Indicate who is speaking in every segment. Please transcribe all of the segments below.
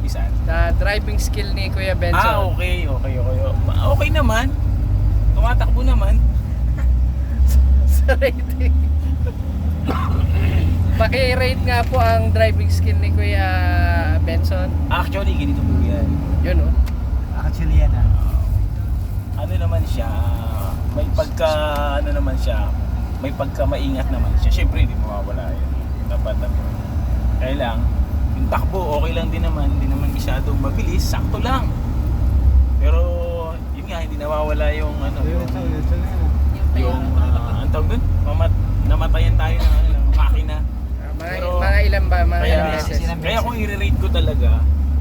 Speaker 1: saan?
Speaker 2: Sa driving skill ni Kuya Benson.
Speaker 1: Okay. Okay naman. Tumatakbo naman.
Speaker 2: Sa rating. Paki-rate nga po ang driving skill ni Kuya Benson.
Speaker 1: Actually, ganito po yan.
Speaker 2: Yun oh.
Speaker 3: Actually yan
Speaker 1: Ano naman siya, may pagka, ano naman siya, may pagka maingat naman siya. Siyempre, hindi mawawala yun. Dapat naman. Kaya lang, yung takbo, okay lang din naman. Hindi naman masyadong mabilis, sakto lang. Pero, yun nga, hindi nawawala yung, ano, yung, ang tawag dun? Namatayan tayo ng, ano lang, makina.
Speaker 2: Mga ilan ba? Mga
Speaker 1: Kaya,
Speaker 2: ilang beses?
Speaker 1: kaya kung i-rate ko talaga,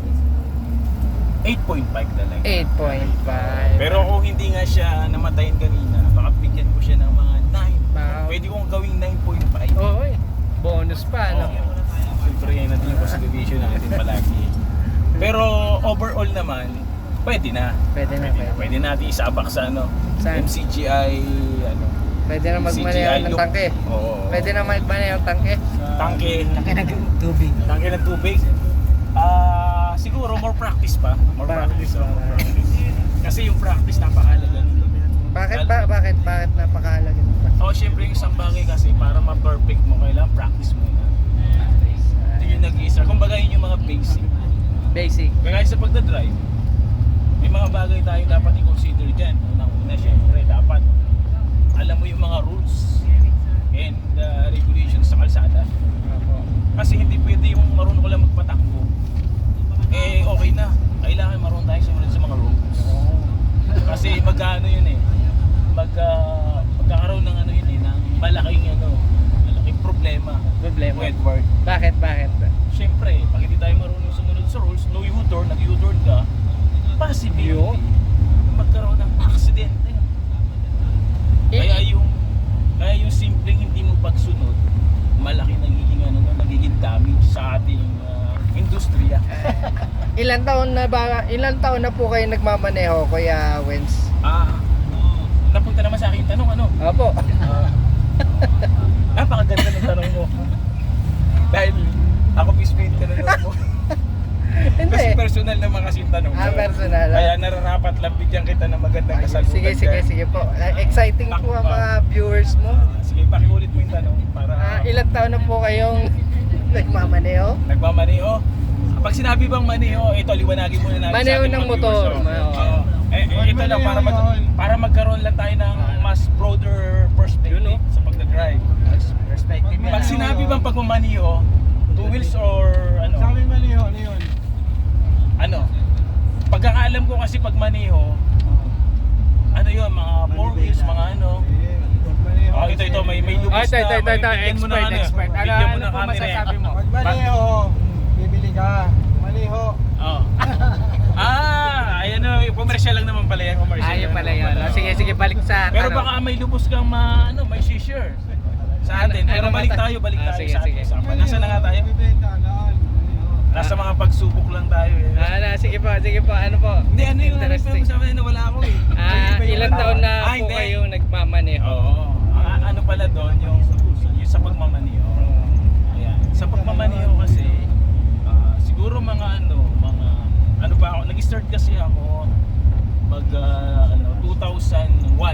Speaker 1: 8.5 talaga.
Speaker 2: 8.5.
Speaker 1: Pero kung hindi nga siya namatayin kanina, baka bigyan ko siya ng mga 9. Pwede kong gawing 9.5.
Speaker 2: Oo eh. Bonus pa, no?
Speaker 1: Siyempre yan natin yung consideration natin palagi. Pero overall naman, pwede na.
Speaker 2: Pwede na.
Speaker 1: Pwede natin isabak sa ano,
Speaker 2: Saan?
Speaker 1: MCGI, ano.
Speaker 2: Pwede na magmaneho ng
Speaker 1: look.
Speaker 2: tangke.
Speaker 1: Oo.
Speaker 2: Pwede na magmaneho ng tangke.
Speaker 1: Tangke.
Speaker 3: Laki ng tubig.
Speaker 1: Tangke ng tubig. Siguro more practice pa. More practice. Kasi yung practice napakahalaga.
Speaker 2: Bakit napakahalaga nito?
Speaker 1: Syempre yung isang bagay kasi para ma-perfect mo, kailangan practice mo na. Ito yung nag-iisa. Kumbaga yun yung mga basic.
Speaker 2: Basic.
Speaker 1: Kaya sa pagdadrive, may mga bagay tayo dapat i-consider dyan. Unang-una, syempre, dapat alam mo yung mga rules and regulations sa kalsada. Kasi hindi pwede yung marunong ko lang magpatakbo. Okay na. Kailangan marunong tayo sumunod sa mga rules. Kasi magkano yun magkakaroon ng ano yun ng malaking problema. Edward.
Speaker 2: Bakit?
Speaker 1: Siyempre, pag hindi tayo marunong sumunod sa rules, no U-turn, nag-U-turn ka, possibility magkaroon ng aksidente. Kaya yung simpleng hindi mo pagsunod, malaki nagiging damage sa ating industriya.
Speaker 2: Ilan taon na po kayo nagmamaneho, Kuya Wens?
Speaker 1: Napunta naman sa akin yung tanong, ano?
Speaker 2: Opo.
Speaker 1: Napakaganda ng tanong mo. Dahil ako mismo yung tanong mo.
Speaker 2: Hindi.
Speaker 1: Kasi personal naman kasi yung tanong mo.
Speaker 2: Personal.
Speaker 1: Kaya nararapat lang bigyan kita ng magandang kasagutan.
Speaker 2: Sige po. Exciting po ang mga viewers mo.
Speaker 1: Sige, pakiulit mo yung tanong para...
Speaker 2: Ilan taon na po kayong nagmamaneho?
Speaker 1: Nagmamaneho. Pag sinabi bang maneho, ito liwanagin muna natin
Speaker 2: Maneho
Speaker 1: sa ating
Speaker 2: ng
Speaker 1: mga
Speaker 2: motor.
Speaker 1: viewers. Ito lang para magkaroon lang tayo ng mas broader perspective sa pagdadrive. Pag sinabi bang pagmamaneho, two wheels or ano?
Speaker 3: Sa amin maniho, ano yun?
Speaker 1: Ano? Pagkakaalam ko kasi pag maneho, ano yun, mga four wheels, mga ano. Ito, may lubos na.
Speaker 2: Expert.
Speaker 1: Bigyan mo na
Speaker 2: po
Speaker 1: camera.
Speaker 2: masasabi mo?
Speaker 3: Pag maniho, bibili ka. Maniho.
Speaker 1: Ayan o, commercial lang naman pala yan.
Speaker 2: Ayun pala yun. Sige, balik sa
Speaker 1: Pero baka may lubos kang may share sa atin. Pero balik tayo
Speaker 2: Sige,
Speaker 1: sa ating usapan. Nasaan na nga tayo?
Speaker 3: Bibenta, noon.
Speaker 1: Nasa mga pagsubok lang tayo eh.
Speaker 2: Sige po. Ano po?
Speaker 1: Hindi, ano yung
Speaker 2: Interesting.
Speaker 1: sabi na wala ako eh.
Speaker 2: Ilan taon na po
Speaker 1: hindi.
Speaker 2: kayong nagmamaneho?
Speaker 1: Oo. Ano pala doon, yung sa pagmamaniho. Ayan. Sa pagmamaniho kasi, siguro mga pa ako, nag-start kasi ako 2001.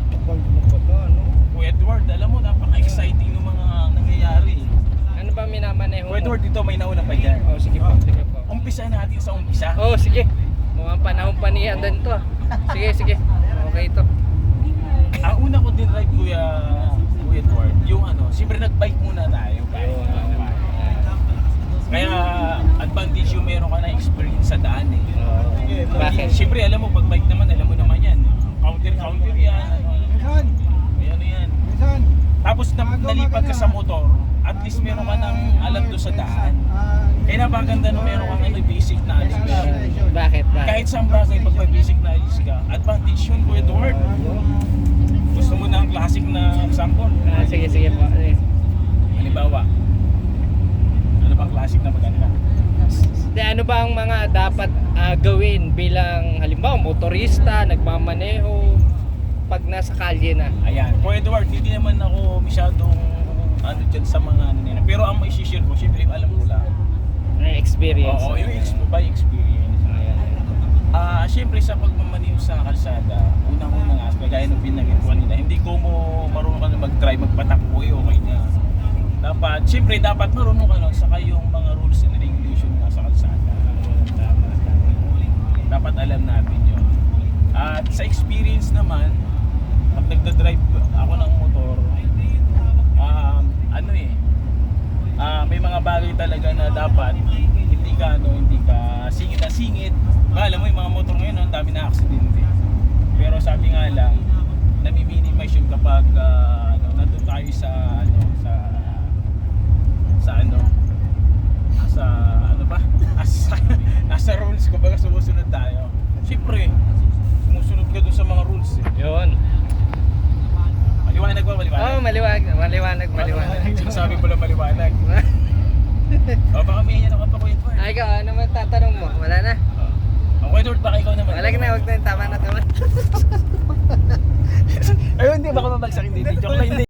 Speaker 1: Edward, alam mo, napaka-exciting ng mga nangyayari.
Speaker 2: Ano ba minamaneho mo?
Speaker 1: Edward, dito may nauna pa dyan.
Speaker 2: Sige po.
Speaker 1: Umpisa natin sa umpisa.
Speaker 2: Sige. Mukhang panahon pa niya din to. Sige. Okay ito.
Speaker 1: Ang una ko din ride, Kuya Edward, yung siyempre nag-bike muna tayo. Kaya advantage yung meron ka na experience sa daan eh.
Speaker 2: Bakit?
Speaker 1: Siyempre alam mo, pag bike naman, alam mo naman yan. Counter yan.
Speaker 3: Minsan.
Speaker 1: Yan.
Speaker 3: Minsan.
Speaker 1: Tapos nalipad ka sa motor, at least meron ka ng alam doon sa daan. Kaya napaganda na meron kang basic knowledge.
Speaker 2: Bakit?
Speaker 1: Kahit saan bagay, pag may basic knowledge ka, advantage yun, Kuya Edward. Gusto mo na ang classic na example?
Speaker 2: Sige po.
Speaker 1: Halimbawa, ano bang classic na maganda?
Speaker 2: Ano ba ang mga dapat gawin bilang halimbawa motorista, nagmamaneho pag nasa kalye na?
Speaker 1: Ayan, Kuya Edward, hindi naman ako masyadong dyan sa mga nila. Pero ang may share ko, syempre yung alam ko lang.
Speaker 2: Experience.
Speaker 1: Oo, yung by experience. Siyempre, dapat marunong ka nun saka yung mga rules and regulation na sa kalsada.
Speaker 2: Tama.
Speaker 1: Dapat alam natin yun. At sa experience naman, pag nagda-drive ako ng motor, may mga bagay talaga na dapat hindi ka singit na singit. Alam mo yung mga motor ngayon, ang dami na aksidente. Pero sabi nga lang, nami-minimize yun kapag nandun tayo nasa rules, kumbaga sumusunod tayo. Siyempre, sumusunod ka dun sa mga rules eh.
Speaker 2: Yun.
Speaker 1: Maliwanag ba?
Speaker 2: Oh, maliwanag.
Speaker 1: Sabi pala maliwanag. O baka may yan ako pa kuya Edward.
Speaker 2: Ay, ikaw, ano man tatanong mo? Wala na.
Speaker 1: Ang kuya Edward, baka ikaw naman.
Speaker 2: Wala na, wag na. Tama na.
Speaker 1: Ayun, hindi, baka mabagsak hindi. Joke lang, hindi.